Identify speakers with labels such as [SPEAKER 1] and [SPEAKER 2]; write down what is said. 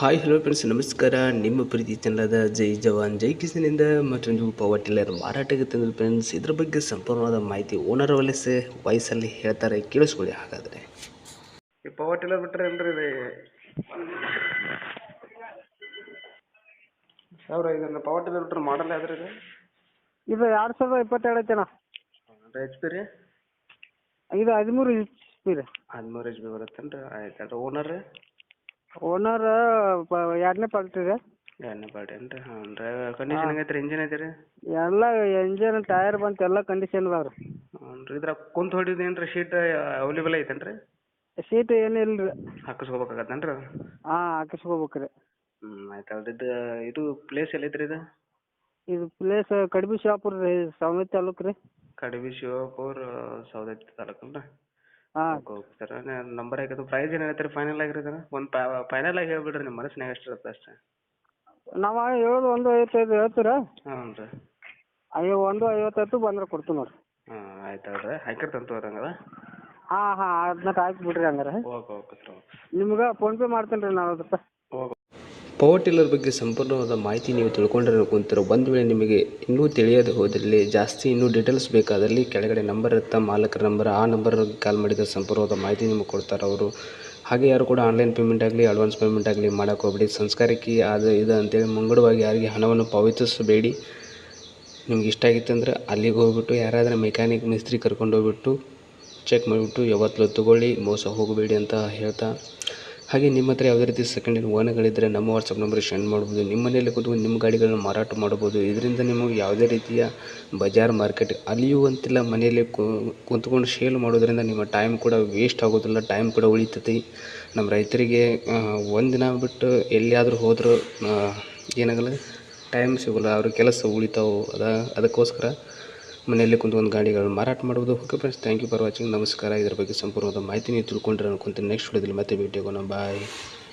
[SPEAKER 1] Hi hello friends, ನಮಸ್ಕಾರ. ನಿಮ್ಮ ಪ್ರೀತಿ ಚೆನ್ನದ ಜೈ ಜವಾನ್ ಜೈ ಕಿಸನಿಂದ ಮತ್ತೊಂದು ಪವರ್ ಟಿಲ್ಲರ್ ಮಾರಾಟಕ್ಕೆ ತಂದ ಫ್ರೆಂಡ್ಸ್. ಇದ್ರ ಬಗ್ಗೆ ಸಂಪೂರ್ಣವಾದ ಮಾಹಿತಿ ಓನರ್ ವಾಯ್ಸಲ್ಲಿ ಹೇಳ್ತಾರೆ, ಕೇಳಿಸ್ಕೊಳ್ಳಿ. ಹಾಗಾದರೆ
[SPEAKER 2] ಈ ಪವರ್ ಟಿಲ್ಲರ್ ಬಿಟ್ಟರೆ ಅಲ್ರಿ ಇದನ್ನ ಪವರ್ ಟಿಲ್ಲರ್ ಬಿಟ್ಟರೆ ಮಾಡಲ್ ಯಾವ್ದ್ರಿ
[SPEAKER 3] ಇದು 2022 ಐತೆ ಅಣ್ಣ.
[SPEAKER 2] ಎಚ್ ಪಿ ರೀ?
[SPEAKER 3] ಇದು 13 HP ರೀ.
[SPEAKER 2] 13 HP ಬರುತ್ತೇನ್ರಿ? ಆಯ್ತು. ಓನರ್ ರೀ?
[SPEAKER 3] ಓನರ್ 2ನೇ ಪಾರ್ಟಿ ರೀ.
[SPEAKER 2] 2ನೇ ಪಾರ್ಟಿ ಏನ್ರಿ? ಹಾಂ ರೀ. ಕಂಡೀಷನ್ ಹೆಂಗೈತೆ ರೀ? ಇಂಜಿನ್ ಐತೆ ರೀ?
[SPEAKER 3] ಎಲ್ಲ ಎಂಜಿನ್ ಟೈರ್ ಬಂತು ಎಲ್ಲ ಕಂಡೀಷನ್ ಅದಾವ ರೀ.
[SPEAKER 2] ಹ್ಞೂ ರೀ. ಇದ್ರಾಗ ಕುಂತು ಹೊಡಿದೇನು ಶೀಟ್ ಅವೈಲೇಬಲ್ ಐತೇನು ರೀ?
[SPEAKER 3] ಸೀಟ್ ಏನಿಲ್ಲ ರೀ.
[SPEAKER 2] ಹಾಕಿಸ್ಕೋಬೇಕಾಗತ್ತೇನು ರೀ?
[SPEAKER 3] ಹಾಂ, ಹಾಕಿಸ್ಕೋಬೇಕು ರೀ.
[SPEAKER 2] ಆಯ್ತು. ಇದು ಪ್ಲೇಸ್ ಎಲ್ಲೈತೆ ರೀ?
[SPEAKER 3] ಇದು ಪ್ಲೇಸ್ ಕಡ್ಬಿ ಶಾಪುರ್ ರೀ, ಸವಣಿ ತಾಲೂಕು ರೀ.
[SPEAKER 2] ಕಡಬಿ ಶಿವಪುರ, ಸೌದತ್ತಿ ತಾಲೂಕು ರೀ?
[SPEAKER 3] ಹಾಂ.
[SPEAKER 2] Okay sir. ನಂಬರ್ ಹಾಕಿದ್ದು ಪ್ರೈಸ್ ಏನು ಹೇಳ್ತೀರಿ ಫೈನಲ್ ಆಗಿರೋದು? ಒಂದು ಫೈನಲ್ ಆಗಿ ಹೇಳ್ಬಿಡ್ರಿ, ನಿಮ್ಮ ಮನಸ್ಸಿನಾಗ ಎಷ್ಟು ಇರುತ್ತೆ ಅಷ್ಟೇ.
[SPEAKER 3] ನಾವು ಹೇಳೋದು 1.55 ಹೇಳ್ತೀರಾ?
[SPEAKER 2] ಹ್ಞೂ ರೀ.
[SPEAKER 3] 1.55 ಬಂದ್ರೆ ಕೊಡ್ತೀವಿ ನೋಡಿರಿ.
[SPEAKER 2] ಹಾಂ ಆಯ್ತು ಹೇಳ್ರಿ. ಹಾಕಿರ್ತಂತ ತೋರಂಗದ.
[SPEAKER 3] ಹಾಂ ಅದನ್ನ ಹಾಕಿ ಬಿಡ್ರಿ ಹಂಗಾರೆ.
[SPEAKER 2] Okay sir.
[SPEAKER 3] ನಿಮ್ಗೆ ಫೋನ್ಪೇ ಮಾಡ್ತೀನಿ ರೀ 40 ರೂಪಾಯಿ.
[SPEAKER 1] ಪವರ್ ಟಿಲ್ಲರ್ ಬಗ್ಗೆ ಸಂಪೂರ್ಣವಾದ ಮಾಹಿತಿ ನೀವು ತಿಳ್ಕೊಂಡ್ರೆ ಅನ್ಕೊಂತೀರೋ. ಒಂದು ವೇಳೆ ನಿಮಗೆ ಇನ್ನೂ ತಿಳಿಯದೆ ಹೋದಲ್ಲಿ, ಜಾಸ್ತಿ ಇನ್ನೂ ಡೀಟೇಲ್ಸ್ ಬೇಕಾದಲ್ಲಿ ಕೆಳಗಡೆ ನಂಬರ್ ಇರುತ್ತೆ, ಮಾಲಕರ ನಂಬರ್. ಆ ನಂಬರ್ ಕಾಲ್ ಮಾಡಿದ ಸಂಪೂರ್ಣವಾದ ಮಾಹಿತಿ ನಿಮಗೆ ಕೊಡ್ತಾರೆ ಅವರು. ಹಾಗೆ ಯಾರು ಕೂಡ ಆನ್ಲೈನ್ ಪೇಮೆಂಟ್ ಆಗಲಿ ಅಡ್ವಾನ್ಸ್ ಪೇಮೆಂಟ್ ಆಗಲಿ ಮಾಡೋಕೆ ಹೋಗ್ಬೇಡಿ. ಸಂಸ್ಕಾರಕ್ಕೆ ಅದು ಇದು ಅಂತೇಳಿ ಮುಂಗಡವಾಗಿ ಯಾರಿಗೆ ಹಣವನ್ನು ಪಾವತಿಸಬೇಡಿ. ನಿಮ್ಗೆ ಇಷ್ಟ ಆಗಿತ್ತು ಅಂದರೆ ಅಲ್ಲಿಗೆ ಹೋಗ್ಬಿಟ್ಟು ಯಾರಾದರೂ ಮೆಕ್ಯಾನಿಕ್ ಮಿಸ್ತ್ರಿ ಕರ್ಕೊಂಡು ಹೋಗ್ಬಿಟ್ಟು ಚೆಕ್ ಮಾಡಿಬಿಟ್ಟು ಯಾವತ್ತೂ ತೊಗೊಳ್ಳಿ, ಮೋಸ ಹೋಗಬೇಡಿ ಅಂತ ಹೇಳ್ತಾ, ಹಾಗೆ ನಿಮ್ಮ ಹತ್ರ ಯಾವುದೇ ರೀತಿ ಸೆಕೆಂಡ್ ಹ್ಯಾಂಡ್ ವಾಹನಗಳಿದ್ದರೆ ನಮ್ಮ ವಾಟ್ಸಪ್ ನಂಬರ್ಗೆ ಸೆಂಡ್ ಮಾಡ್ಬೋದು. ನಿಮ್ಮ ಮನೆಯಲ್ಲಿ ಕೂತ್ಕೊಂಡು ನಿಮ್ಮ ಗಾಡಿಗಳನ್ನು ಮಾರಾಟ ಮಾಡ್ಬೋದು. ಇದರಿಂದ ನಿಮಗೆ ಯಾವುದೇ ರೀತಿಯ ಬಜಾರ್ ಮಾರ್ಕೆಟ್ ಅಲಿಯುವಂತಿಲ್ಲ. ಮನೆಯಲ್ಲಿ ಕುಂತ್ಕೊಂಡು ಸೇಲ್ ಮಾಡೋದ್ರಿಂದ ನಿಮ್ಮ ಟೈಮ್ ಕೂಡ ವೇಸ್ಟ್ ಆಗೋದಿಲ್ಲ, ಟೈಮ್ ಕೂಡ ಉಳಿತೈತಿ. ನಮ್ಮ ರೈತರಿಗೆ ಒಂದಿನ ಬಿಟ್ಟು ಎಲ್ಲಿಯಾದರೂ ಹೋದರೂ ಏನಾಗಲ್ಲ, ಟೈಮ್ ಸಿಗೋಲ್ಲ, ಅವ್ರ ಕೆಲಸ ಉಳಿತಾವೆ. ಅದಕ್ಕೋಸ್ಕರ ಮನೆಯಲ್ಲಿ ಕುಂತ್ಕೊಂಡು ಗಾಡಿಗಳನ್ನು ಮಾರಾಟ ಮಾಡ್ಬೋದು. Okay friends, thank you for watching. ನಮಸ್ಕಾರ. ಇದರ ಬಗ್ಗೆ ಸಂಪೂರ್ಣವಾದ ಮಾಹಿತಿ ನೀವು ತಿಳ್ಕೊಂಡ್ರೆ ಅನ್ಕೊಂತೀನಿ. ನೆಕ್ಸ್ಟ್ ವಿಡಿಯೋದಲ್ಲಿ ಮತ್ತೆ ಭೇಟಿ ಆಗೋಣ. ಬಾಯ್.